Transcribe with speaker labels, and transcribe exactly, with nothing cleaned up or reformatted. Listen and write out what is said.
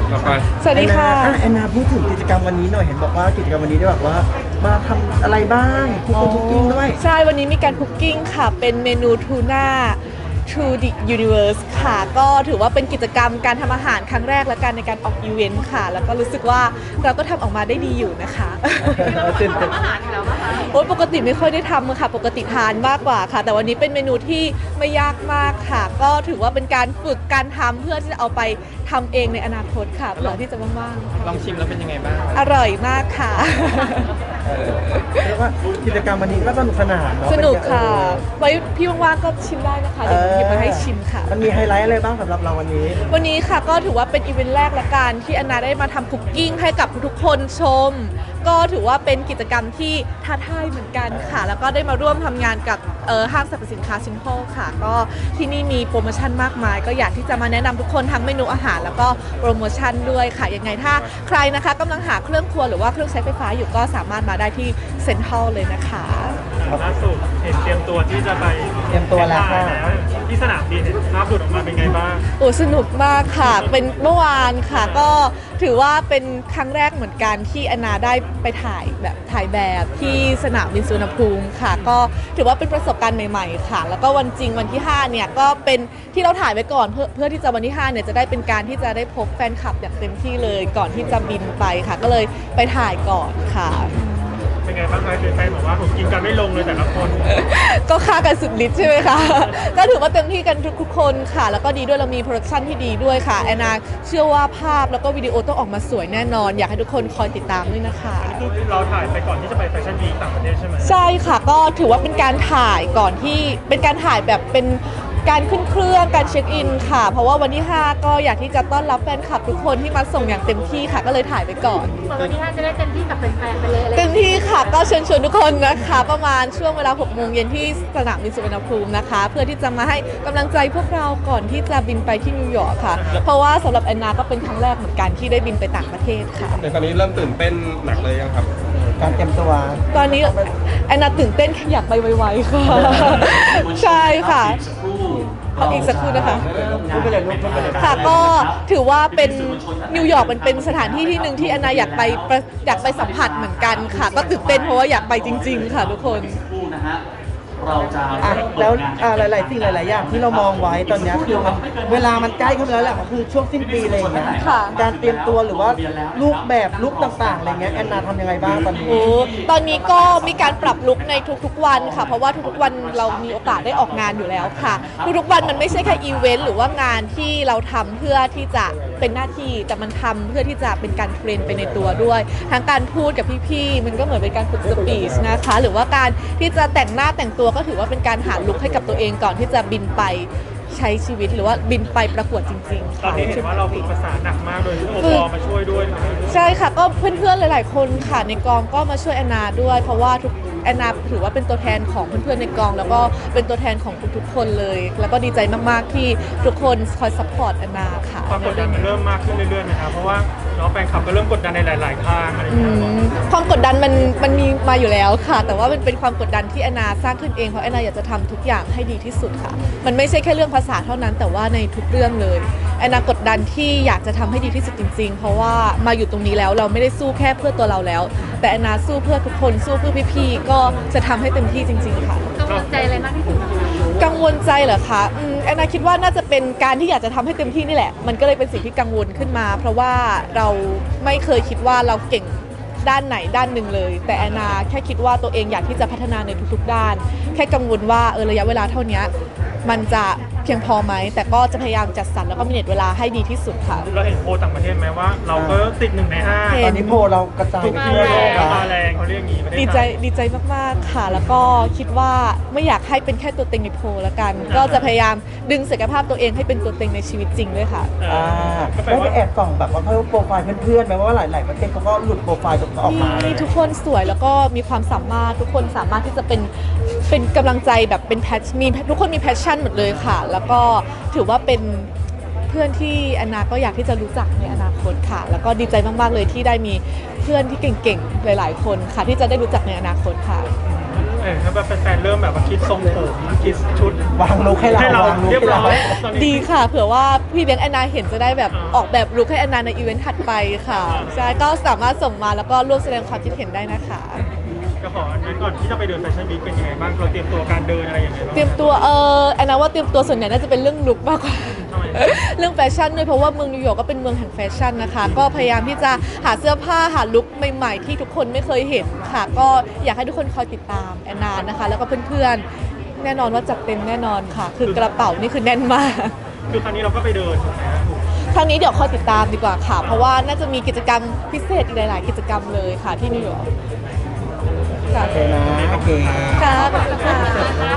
Speaker 1: ต่อไป
Speaker 2: สวัสดีค่ะ
Speaker 3: แอนนาพูดถึงกิจกรรมวันนี้หน่อยเห็นบอกว่ากิจกรรมวันนี้ได้แบบว่ามาทำอะไรบ้างคุกคุกกิ้งด้วย
Speaker 2: ใช่วันนี้มีการคุกกิ้งค่ะเป็นเมนูทูน่า To the Universe ค่ะก็ถือว่าเป็นกิจกรรมการทำอาหารครั้งแรกและกันในการออกอีเวนต์ค่ะแล้วก็รู้สึกว่าเราก็ทำออกมาได้ดีอยู่นะคะ
Speaker 3: ตื่นเต้น
Speaker 2: โอ๊ยปกติไม่ค่อยได้ทำค่ะปกติทานมากกว่าค่ะแต่วันนี้เป็นเมนูที่ไม่ยากมากค่ะก็ถือว่าเป็นการฝึกการทำเพื่อที่จะเอาไปทำเองในอนาคตค่ะเผื่อที่จะว่าง
Speaker 1: ๆลองชิมแล้วเป็นยังไงบ้าง
Speaker 2: อร่อยมากค่ะ
Speaker 3: เรียกว่ากิจกรรมวันนี้ก็สนุกสนานเนาะ
Speaker 2: สนุกค่ะไว้พี่ว่างๆก็ชิมได้นะคะเดี๋ยวหยิบมาให้ชิมค่ะ
Speaker 3: มันมีไฮไลท์อะไรบ้างสำหรับเราวันนี้
Speaker 2: วันนี้ค่ะก็ถือว่าเป็นอีเวนต์แรกละกันที่แอนนาได้มาทำคุกกิ้งให้กับทุกคนชมก็ถือว่าเป็นกิจกรรมที่ท้าทายเหมือนกันค่ะแล้วก็ได้มาร่วมทำงานกับห้างสรรพสินค้าซิมโพลค่ะก็ที่นี่มีโปรโมชั่นมากมายก็อยากที่จะมาแนะนำทุกคนทั้งเมนูอาหารแล้วก็โปรโมชั่นด้วยค่ะยังไงถ้าใครนะคะกำลังหาเครื่องครัวหรือว่าเครื่องใช้ไฟฟ้าอยู่ก็สามารถมาได้ที่เซ็นทรัลเลยนะคะ
Speaker 4: ล่าสุดเห็นเตรียมตัวที่จะไป
Speaker 3: เตรียมตัวแล้วค่ะ
Speaker 4: ที่สนามบินเห็นภาพหลุดออกมาเป็นไงบ้าง
Speaker 2: โอ้สนุกมากค่ะเป็นเมื่อวานค่ะก็ถือว่าเป็นครั้งแรกเหมือนกันที่แอนนาได้ไปถ่ายแบบถ่ายแบบที่สนามบินสุวรรณภูมิค่ะก็ถือว่าเป็นประสบการณ์ใหม่ๆค่ะแล้วก็วันจริงวันที่ห้าเนี่ยก็เป็นที่เราถ่ายไว้ก่อนเพื่อเพื่อที่จะวันที่ห้าเนี่ยจะได้เป็นการที่จะได้พบแฟนคลับอย่างเต็มที่เลยก่อนที่จะบินไปค่ะก็เลยไปถ่ายก่อนค่ะ
Speaker 4: เป็นไงบ้างคะแฟนๆบอกว่าผมกินกันไม่ลงเลยแต่ละคน
Speaker 2: ก็ฆ่ากันสุดฤทธิ์ใช่ไหมคะก็ถือว่าเต็มที่กันทุกคนค่ะแล้วก็ดีด้วยเรามีโปรดักชันที่ดีด้วยค่ะแอนนาเชื่อว่าภาพแล้วก็วิดีโอต้องออกมาสวยแน่นอนอยากให้ทุกคนคอยติดตามด้วยนะคะ
Speaker 4: คือเราถ่ายไปก่อนที่จะไปแฟชั่นวีคต่างประเทศใช่ไหม
Speaker 2: ใช่ค่ะก็ถือว่าเป็นการถ่ายก่อนที่เป็นการถ่ายแบบเป็นการขึ้นเครื่องการเช็คอินค่ะเพราะว่าวันที่ห้าก็อยากที่จะต้อนรับแฟนคลับทุกคนที่มาส่งอย่างเต็มที่ค่ะก็เลยถ่ายไปก่อน
Speaker 5: วันที่ห้าจะได้เต็มที่กับแฟนๆไปเลย
Speaker 2: เต็มที่ค่ะก็เชิญชวนทุกคนนะคะประมาณช่วงเวลาหกโมงเย็นที่สนามบินสุวรรณภูมินะคะเพื่อที่จะมาให้กำลังใจพวกเราก่อนที่จะบินไปที่นิวยอร์กค่ะเพราะว่าสำหรับแอนนาก็เป็นครั้งแรกเหมือนกันที่ได้บินไปต่างประเทศค่ะ
Speaker 1: ในตอนนี้เริ่มตื่นเต้นหนักเลยยังครับ
Speaker 3: การเตรียมตัว
Speaker 2: ตอนนี้แอนนาตื่นเต้นอยากไปไวๆค่ะใช่ค่ะอีกสักครู่นะคะค่ะก็ถือว่าเป็นนิวยอร์กมันเป็นสถานที่ที่หนึ่งที่แอนนาอยากไปอยากไปสัมผัสเหมือนกันค่ะก็ตื่นเต้นเพราะว่าอยากไปจริงๆค่ะทุกคน
Speaker 3: เราจะแล้วหลายๆสิ่งหลายๆอย่างที่เรามองไว้ตอนนี้คือมันเวลามันใกล้เข้ามาแล้วแหละคือช่วงสิ้นปีอะไรอย่างเงี้ยการเตรียมตัวหรือว่าลุคแบบลุคต่างๆอะไรเงี้ยแอนนาทำยังไงบ้างตอนนี้
Speaker 2: โอ้ตอนนี้ก็มีการปรับลุคในทุกๆวันค่ะเพราะว่าทุกๆวันเรามีโอกาสได้ออกงานอยู่แล้วค่ะทุกๆวันมันไม่ใช่แค่อีเวนต์หรือว่างานที่เราทำเพื่อที่จะเป็นหน้าที่แต่มันทำเพื่อที่จะเป็นการเทรนไปในตัวด้วยทั้งการพูดกับพี่ๆมันก็เหมือนเป็นการฝึกสปีชนะคะหรือว่าการที่จะแต่งหน้าแต่งตัวก็ถือว่าเป็นการหาลุคให้กับตัวเองก่อนที่จะบินไปใช้ชีวิตหรือว่าบินไปประกวดจริงๆ
Speaker 4: ตอนนี้เห็นว่าเราฝึกภาษาหนักมากโดยที่โอปอมาช่วยด้วย
Speaker 2: ใช่ค่ะก็เพื่อนๆหลายๆคนค่ะในกองก็มาช่วยแอนนาด้วยเพราะว่าทุกแอนนาถือว่าเป็นตัวแทนของเพื่อนๆในกองแล้วก็เป็นตัวแทนของทุกๆคนเลยแล้วก็ดีใจมากๆที่ทุกคนคอยซัพพอร์ตแอนนาค่ะ
Speaker 4: ความกดดันมันเริ่มมากขึ้นเรื่อยๆนะครับเพราะว่าน้องแฟนคลับก็เริ่มกดดันในหลายๆทางอะไรอย่างเงี้ย
Speaker 2: ความกดดันมันมันมีมาอยู่แล้วค่ะแต่ว่ามันเป็นความกดดันที่แอนนาสร้างขึ้นเองเพราะแอนนาอยากจะทำทุกอย่างให้ดีที่สุดค่ะมันไม่ใช่แค่เรื่องภาษาเท่านั้นแต่ว่าในทุกเรื่องเลยแอนนากดดันที่อยากจะทำให้ดีที่สุดจริงๆเพราะว่ามาอยู่ตรงนี้แล้วเราไม่ได้สู้แค่เพื่อตัวเราแล้วแต่แอนนาสู้เพื่อทุกคนสู้เพื่อพี่ๆก็จะทำให้เต็มที่จริงๆค่ะ
Speaker 5: กังวลใจอะไรมากที่สุด
Speaker 2: กังวลใจเหรอคะแอนนาคิดว่าน่าจะเป็นการที่อยากจะทำให้เต็มที่นี่แหละมันก็เลยเป็นสิ่งที่กังวลขึ้นมาเพราะว่าเราไม่เคยคิดว่าเราเก่งด้านไหนด้านหนึ่งเลยแต่แอนนาแค่คิดว่าตัวเองอยากที่จะพัฒนาในทุกๆด้านแค่กังวลว่าเออระยะเวลาเท่านี้มันจะเพียงพอไหมแต่ก็จะพยายามจัดสรรแล้วก็มีเน็ตเวลาให้ดีที่สุดค่ะ
Speaker 4: เราเห็นโพลต่างประเทศไหมว่าเราก็ติดหนึ่งในห้า
Speaker 3: ตอนนี้โพลเรากระจายไปทั่วโลก
Speaker 4: มาแรงเขาเรียกอย่างนี้
Speaker 2: ดีใจดีใจมากๆค่ะแล้วก็คิดว่าไม่อยากให้เป็นแค่ตัวเต็งในโพลแล้วกันก็จะพยายามดึงศักยภาพตัวเองให้เป็นตัวเต็งในชีวิตจริงด้วยค่ะ
Speaker 3: อ่าได้ไปแอบส่องแบบว่าเขาโปรไฟล์เพื่อนๆไหมว่าหลายๆประเทศเขาก็หลุดโปรไฟล์ตรงออกมา
Speaker 2: ทุกคนสวยแล้วก็มีความสามารถทุกคนสามารถที่จะเป็นเป็นกำลังใจแบบเป็นแพชมีทุกคนมีแพชชั่นหมดเลยค่ะแล้วก็ถือว่าเป็นเพื่อนที่แอนนาก็อยากที่จะรู้จักในอนาคตค่ะแล้วก็ดีใจมากๆเลยที่ได้มีเพื่อนที่เก่งๆหลายๆคนค่ะที่จะได้รู้จักในอนาคตค่ะ
Speaker 4: แออถ้าแบบแฟนๆเริ่มแบบว่าคิดทรงผมคิดชุด
Speaker 3: วางลุกให้เรา
Speaker 4: ให้เรา
Speaker 3: วางลุก
Speaker 4: เรียบ
Speaker 3: ให้
Speaker 4: ร้
Speaker 3: เรา
Speaker 4: อยตอนนี้
Speaker 2: ดีค่ะ เผื่อว่าพี่เลี้ยงแอนนาเห็นจะได้แบบออกแบบลุคให้แอนนาในอีเวนต์ถัดไปค่ะใช่ก็สามารถส่งมาแล้วก็ร่วมแสดงความคิดเห็นได้นะคะ
Speaker 4: ก็ขออันนั้นก่อนที่จะไปเดินแฟชั่นวีคเป็นยังไงบ้างเราเตรียมตัวการเดินอะไรยังไงบ้าง
Speaker 2: เตรียมตัวเออแอนนาว่าเตรียมตัวส่วนใหญ่น่าจะเป็นเรื่องลุคมากกว่า
Speaker 4: ทำไม
Speaker 2: เรื่องแฟชั่นด้วยเพราะว่าเมืองนิวยอร์กก็เป็นเมืองแห่งแฟชั่นนะคะ ก็พยายามที่จะหาเสื้อผ้าหาลุคใหม่ๆ ที่ทุกคนไม่เคยเห็นค่ะ ก็อยากให้ทุกคนคอยติดตามแอนนานะคะ แล้วก็เพื่อนๆแน่นอนว่าจัดเต็มแน่นอนค่ะ คือกระเป๋านี่คือแน่นมาก
Speaker 4: คือครั้งนี้เราก็ไปเดินถูกไหมครับ
Speaker 2: ครั้งนี้เดี๋ยวคอยติดตามดีกว่าค่ะ เพราะว่าน่าจะมีกิจกรรมพิเศษอีกหลาย ๆ กิจกรรมเลยค่ะที่นิวยอร์กค่ะ
Speaker 3: โอเคนะโอเค
Speaker 2: ค่ะขอบคุณค่ะ